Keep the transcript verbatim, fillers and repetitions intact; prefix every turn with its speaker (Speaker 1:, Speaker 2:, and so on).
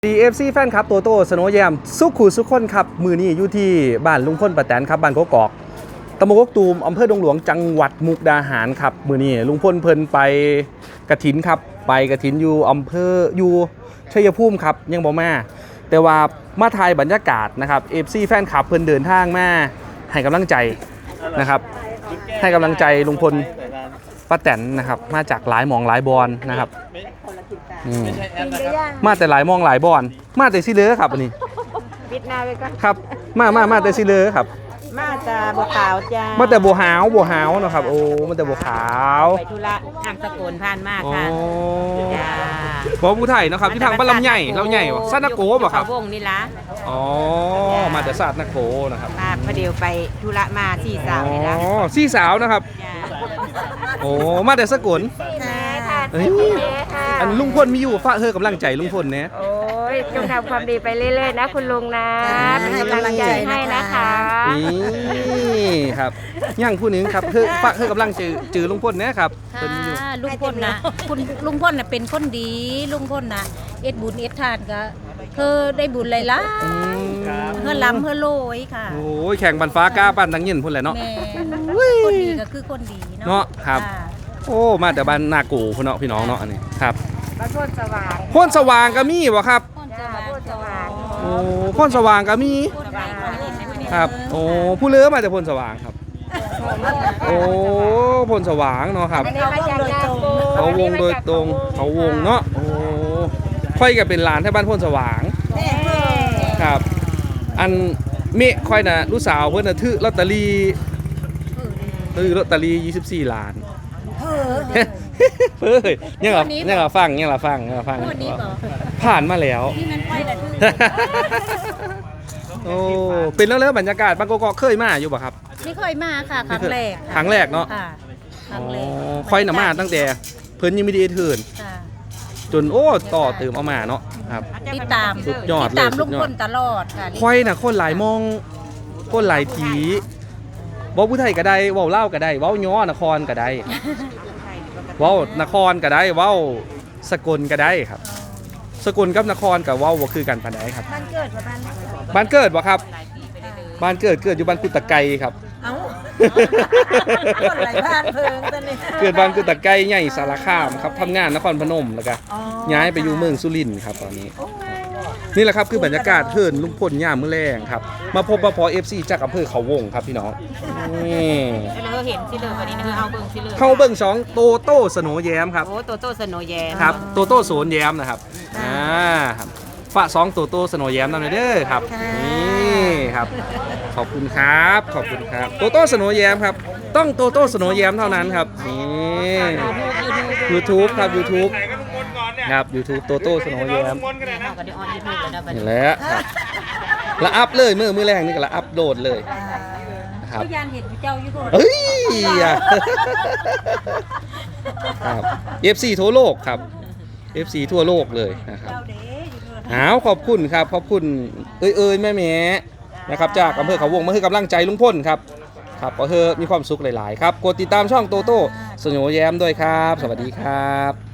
Speaker 1: ดี เอฟ ซี แฟนครับโตโต้สโนว์แยมสุขูสุขคนครับมือนี้อยู่ที่บ้านลุงพลป้าแตนครับบ้านโกกอกตำบลกกตูมอำเภอดงหลวงจังหวัดมุกดาหารครับมือนี้ลุงพลเพิ่นไปกระถินครับไปกระถินอยู่อำเภออยู่ชัยภูมิครับยังบ่มาแต่ว่ามาถ่ายบรรยากาศนะครับ เอฟ ซี แฟนคลับเพิ่นเดินทางมาให้กำลังใจนะครับให้กำลังใจลุงพลป้าแตนนะครับมาจากหลายหมองหลายบอนนะครับมาแต่หลายมองหลายบอนมาแต่ซิเลอครับอันนี้
Speaker 2: ปิดหน้าไว้ก่อน
Speaker 1: ครับมามามาแต่ซิเลอครับ
Speaker 2: มาแต่บัวขาวจ้า
Speaker 1: มาแต่บัวหาวบัวหาวนะครับโอ้มาแต่บัวขาว
Speaker 2: ไปธุระทางสกลผ่านมากค่ะจ้า
Speaker 1: บอผู้ไทยนะครับที่ทางบ้านลำใหญ่เราใหญ่วะซาดนาโกบ่ครับ
Speaker 2: วงนี่ละ
Speaker 1: อ๋อมาแต่ซาดนาโกนะครับ
Speaker 2: มาพอเดียวไปธุระมาสี่สาวนี่ละ
Speaker 1: อ๋อสี่สาวนะครับโอ้มาแต่สกลอันลุงพลมีอยู่ฝากเธอกำลังใจลุงพลเนี่ย
Speaker 2: โอ้ยจงทำความดีไปเรื่อยๆนะคุณลุงนะเป็นกำลังใจให้นะคะ
Speaker 1: นี่ครับย่างผู้หนึ่งครับเธอฝากเธอกำลังจือจือลุงพลเนี่ยครับ
Speaker 3: เป็นอยู่ลุงพลนะคุณลุงพลน่ะเป็นคนดีลุงพลน่ะเอ็ดบุญเอ็ดทานก็เธอได้บุญหลายๆเพื่อล้ำเพื่อโลยค่ะ
Speaker 1: โอ้ยแข่งบันฟ้ากล้าปั้นทั้งยินพุ่นแหละเนาะ
Speaker 3: คนดีก็คือคนดี
Speaker 1: เนาะครับโอ้มาแต่บ้านนากูพี่น้องพี่น้องเนาะอันนี้ครับ
Speaker 2: บ้านโพนสว่าง
Speaker 1: โพนสว่างก็มีวะครับ
Speaker 2: โพนสว่าง
Speaker 1: โอ้โพนสว่างก็มีครับโอ้ผู้เลือมาจากโพนสว่างครับโอ้โพนสว่างเนาะครับเขาวงโดยตรงเขาวงเนาะโอ้ค่อยกับเป็นหลานที่บ้านโพนสว่างครับอันเมฆค่อยนะลูกสาวเพื่อนน่ะถือลอตเตอรี่ถือลอตเตอรี่ยี่สิบสี่ล้านเฮ้ยยังเหรอยังเหรอฟังยังเหรอฟังยังเหรอฟังผ่านมาแล้วโอ้เป็นแล้วเลยบรรยากาศบางกอกเคยมาอยู่ป่ะครับ
Speaker 3: ไม่เคยมาค่ะครั้งแรก
Speaker 1: ครั้งแรกเนาะ
Speaker 3: ครั้งแรก
Speaker 1: ค่อยหนามาตั้งแต่เพิ่นยังไม่ได้เทิร์นจนโอ้ต่อเติมเอามาเนาะครับ
Speaker 3: ติดตาม
Speaker 1: สุดยอดเลย
Speaker 3: ตามลุงพลตลอดค่ะ
Speaker 1: ค่อยน่ะคนหลายมองคนหลายทีเว้าผู้ไทยก็ได้เว้าเล่าก็ได้เว้าย้อนครก็ได้เว้านครก็ได้เว้าสกลก็ได้ครับสกลกับนครกับเว้าบ่คือกันปานใดครับ
Speaker 2: บ้านเกิดบ่บ้าน
Speaker 1: บ้านเกิดบ่ครับบ้านเกิดเกิดอยู่บ้านกุตะไกครับ
Speaker 2: เอ้าคนหลายบ้านเพิ่งตอนนี้
Speaker 1: เกิดบ้านกุตะไกใหญ่สารคามครับทำงานนครพนมแล้วก็ย้ายไปอยู่เมืองสุรินทร์ครับตอนนี้นี่แหละครับคือบรรยากาศเทินลุงพลย่ามมื้อแรงครับมาพบมาพอ เอฟ ซี จากอำเภอเขาวงครับพี่น้อง
Speaker 2: นี่เราเห็นสิเลยวันนี้นะเอาเบิ่งสิเลย
Speaker 1: เข้าเบิ่งสองโตโต้สโนว์แยมครับ
Speaker 2: โอ้โตโต้สโนว์แยม
Speaker 1: ครับโตโต้โสนแยมนะครับอ่าครับฝากสองโตโต้สโนว์แยมนำหน่อยเด้อครับนี่ครับขอบคุณครับขอบคุณครับโตโต้สโนว์แยมครับต้องโตโต้สโนว์แยมเท่านั้นครับนี่ YouTube ครับ YouTubeครับ YouTube โตโต้สโนว์แยมนี่แหละครับละอัพเลยมือมือแรงนี่ก็ละอัพโหลดเลยครับ
Speaker 3: ยานเห็นเจ้าอยู่
Speaker 1: เฮ้ยครับ เอฟ ซี ทั่วโลกครับ เอฟ ซี ทั่วโลกเลยนะครับอ้าวขอบคุณครับขอบคุณเอ้ยเอ้ยแม่แม่นะครับจากอำเภอเขาวงมาให้กำลังใจลุงพลครับครับขอเธอมีความสุขหลายๆครับกดติดตามช่องโตโต้สโนว์แยมด้วยครับสวัสดีครับ